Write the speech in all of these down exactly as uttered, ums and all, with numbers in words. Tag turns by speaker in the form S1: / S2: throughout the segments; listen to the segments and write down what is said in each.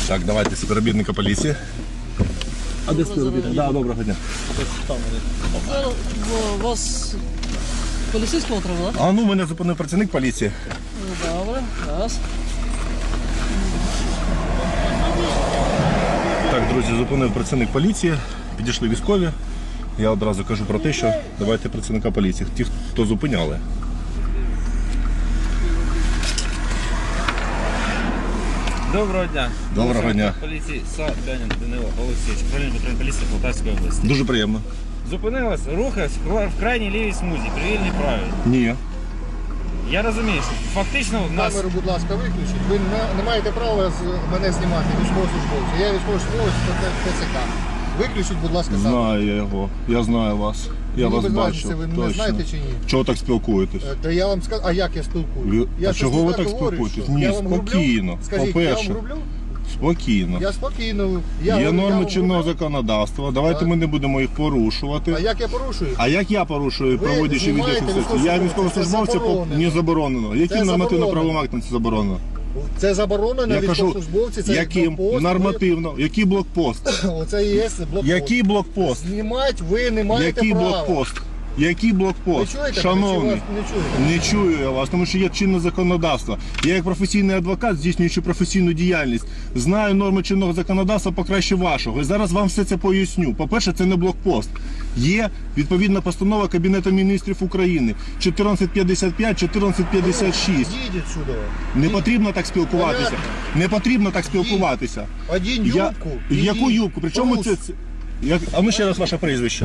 S1: Так, давайте співробітника поліції. А де співробітник? Да, доброго дня.
S2: У вас поліцейського треба, так?
S1: А ну, мене зупинив працівник поліції.
S2: Добре, раз.
S1: Так, друзі, зупинив працівник поліції, підійшли військові. Я одразу кажу про те, що давайте працівника поліції, ті, хто зупиняли.
S3: Доброго дня.
S1: Доброго дня.
S3: Поліції Садянин Данило Олексійович, управління патрульної поліції Полтавської області.
S1: Дуже приємно.
S3: Зупинилась, рухався в крайній лівій смузі, при вільній правій.
S1: Ні.
S3: Я розумію, що фактично в нас...
S4: Камеру, будь ласка, виключіть. Ви не, не маєте права з мене знімати, військовослужбовця. Я військовослужбовець ТЦК. Виключіть, будь ласка, камеру.
S1: Знаю я його, я знаю вас. Я
S4: Мені
S1: вас
S4: без
S1: бачу.
S4: разниці, ви мене
S1: Точно.
S4: знаєте чи ні?
S1: Чого так спілкуєтесь?
S4: Е, Та я вам скажу, а як я спілкуюсь?
S1: Ви-
S4: Я
S1: а
S4: щось
S1: чого
S4: не
S1: ви так
S4: говорю,
S1: спілкуєтесь?
S4: що?
S1: Ні,
S4: Я вам
S1: спокійно.
S4: грублю? Скажіть,
S1: По-перше.
S4: я вам грублю?
S1: Спокійно.
S4: Я спокійно. Я
S1: Є
S4: говорю, я
S1: норми
S4: вам
S1: чинного
S4: грублю?
S1: законодавства, давайте
S4: Так.
S1: ми не будемо їх порушувати.
S4: А як я порушую?
S1: А як я порушую,
S4: Ви
S1: проводячи
S4: знімаєте
S1: відеофіксацію? Я
S4: військовослужбовця, це
S1: військовослужбовця
S4: заборонено.
S1: не заборонено. Яким
S4: Це
S1: нормативно-правовим
S4: заборонено.
S1: актом це заборонено?
S4: Це заборонено
S1: Я кажу,
S4: військовослужбовці, це
S1: яким?
S4: блокпост.
S1: Нормативно. Який блокпост?
S4: Ви- Оце і є блокпост.
S1: Який блокпост?
S4: Знімати ви не маєте
S1: Який
S4: права.
S1: блокпост? Який
S4: Ви
S1: блокпост?
S4: чуєте? Чи
S1: Шановний.
S4: вас не чуєте?
S1: Не чую я вас, тому що є чинне законодавство. Я як професійний адвокат, здійснюючи професійну діяльність, знаю норми чинного законодавства покраще вашого. І зараз вам все це поясню. По-перше, це не блокпост. Є відповідна постанова Кабінету міністрів України чотирнадцять п'ятдесят п'ять, чотирнадцять п'ятдесят шість.
S4: Їдіть сюди.
S1: Не потрібно так спілкуватися.
S4: Понятно.
S1: Не потрібно так спілкуватися.
S4: Один
S1: Я...
S4: юбку.
S1: Яку
S4: і
S1: юбку? Причому
S4: трус.
S1: це... це- Як... А ну ще раз ваше прізвище.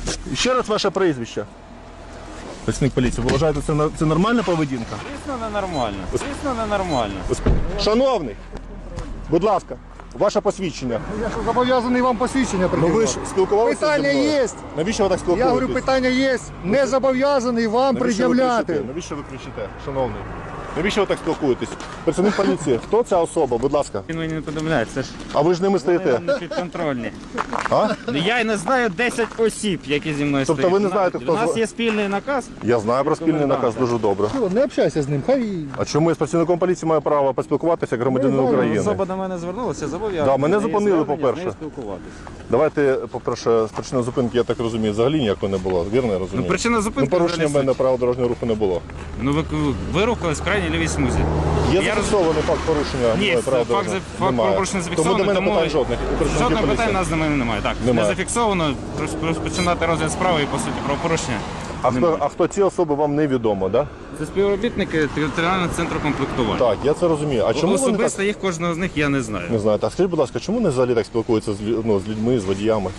S1: Ще раз ваше прізвище. Працівник поліції, ви вважаєте, це, на- це нормальна поведінка?
S3: Звісно, ненормально. Звісно, ненормально.
S1: Шановний, будь ласка, ваше посвідчення.
S4: Я що, зобов'язаний вам посвідчення
S1: Ну
S4: приділити?
S1: ви ж спілкувалися
S4: Питання
S1: зі мною?
S4: є.
S1: Навіщо ви так
S4: Я
S1: спілкуєтесь?
S4: говорю, питання є. Не зобов'язаний вам
S1: Навіщо ви
S4: пред'являти.
S1: кричите? Навіщо ви кричите, шановний? Навіщо ви так спілкуєтесь? Працівник поліції, хто ця особа, будь ласка?
S3: Він мені не повідомляє, це ж
S1: А ви ж ними стоїте?
S3: не підконтрольні.
S1: А?
S3: Ну, я й не знаю десять осіб, які зі мною
S1: Тобто
S3: стоять.
S1: ви не знаєте, хто
S3: У нас
S1: з-
S3: є спільний наказ.
S1: Я знаю про спільний наказ дуже добре.
S4: Що, не общайся з ним, хай.
S1: А чому я з працівником поліції маю право поспілкуватися як громадянин України?
S3: Особа до мене звернулася, зобов'язана.
S1: Да, мене
S3: Є
S1: зупинили,
S3: звернення,
S1: по-перше.
S3: з нею спілкуватися.
S1: Давайте, по-перше, з причини зупинки, я так розумію, взагалі ніякої не було. Вірно я розумію?
S3: Ну, причина зупинки
S1: Ну, порушення в
S3: взагалі
S1: мене правил дорожнього руху не було.
S3: Ну ви, ви рухались в крайній лівій смузі.
S1: Є
S3: Я
S1: зафіксований факт порушення
S3: Ні,
S1: правил
S3: факт,
S1: дорожнього
S3: за-
S1: руху?
S3: факт порушення
S1: Тому
S3: зафіксований,
S1: до мене
S3: тому
S1: питань жодних. у працівників
S3: жодного
S1: поліції.
S3: питання у нас до мене немає. Так,
S1: Немає.
S3: не зафіксовано, роз- розпочинати розгляд справи і по суті правопорушення.
S1: А хто, а хто ці особи вам невідомо, да?
S3: Це співробітники територіального центру комплектування.
S1: Так, я це розумію. А чому вони так
S3: Особисто їх кожного з них я не знаю.
S1: не знаєте? А скажіть, будь ласка, чому вони взагалі так спілкуються з, лю- ну, з людьми, з водіями?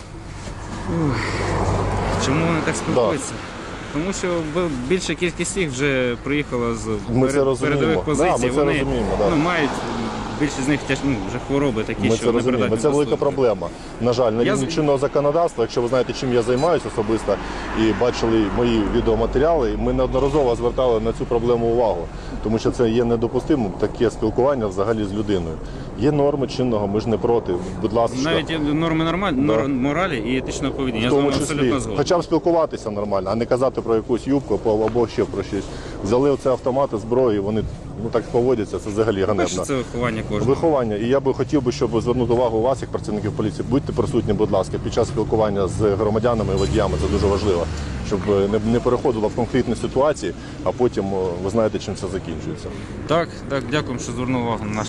S3: Чому вони так спілкуються? Тому що б- більша кількість їх вже приїхала з
S1: Ми це
S3: перед-
S1: розуміємо.
S3: передових
S1: Да,
S3: позицій.
S1: ми це
S3: Вони
S1: розуміємо, да.
S3: ну, мають більшість з них тяж, ну, вже хвороби такі,
S1: Ми
S3: що
S1: це
S3: не
S1: розуміємо.
S3: придатні
S1: Це
S3: до
S1: велика
S3: служби.
S1: проблема. На жаль, на
S3: Я
S1: рівні
S3: з-
S1: чинного законодавства, якщо ви знаєте, чим я займаюся особисто і бачили мої відеоматеріали, ми неодноразово звертали на цю проблему увагу, тому що це є недопустимим таке спілкування взагалі з людиною. Є норми чинного, ми ж не проти. Будь ласка,
S3: Навіть є норми нормаль... норм моралі і етичного поведіння.
S1: в
S3: Я з вами
S1: тому числі,
S3: абсолютно згоден.
S1: хоча б спілкуватися нормально, а не казати про якусь юбку або або ще про щось. Взяли оце автомати, зброю, і вони ну так поводяться, це взагалі ганебно.
S3: Перше, це виховання кожного.
S1: Виховання. І я би хотів би, щоб звернути увагу вас, як працівників поліції, будьте присутні, будь ласка, під час спілкування з громадянами і водіями. Це дуже важливо, щоб не, не переходило в конфліктні ситуації, а потім о, ви знаєте, чим це закінчується.
S3: Так, так, дякую, що звернув увагу на наш.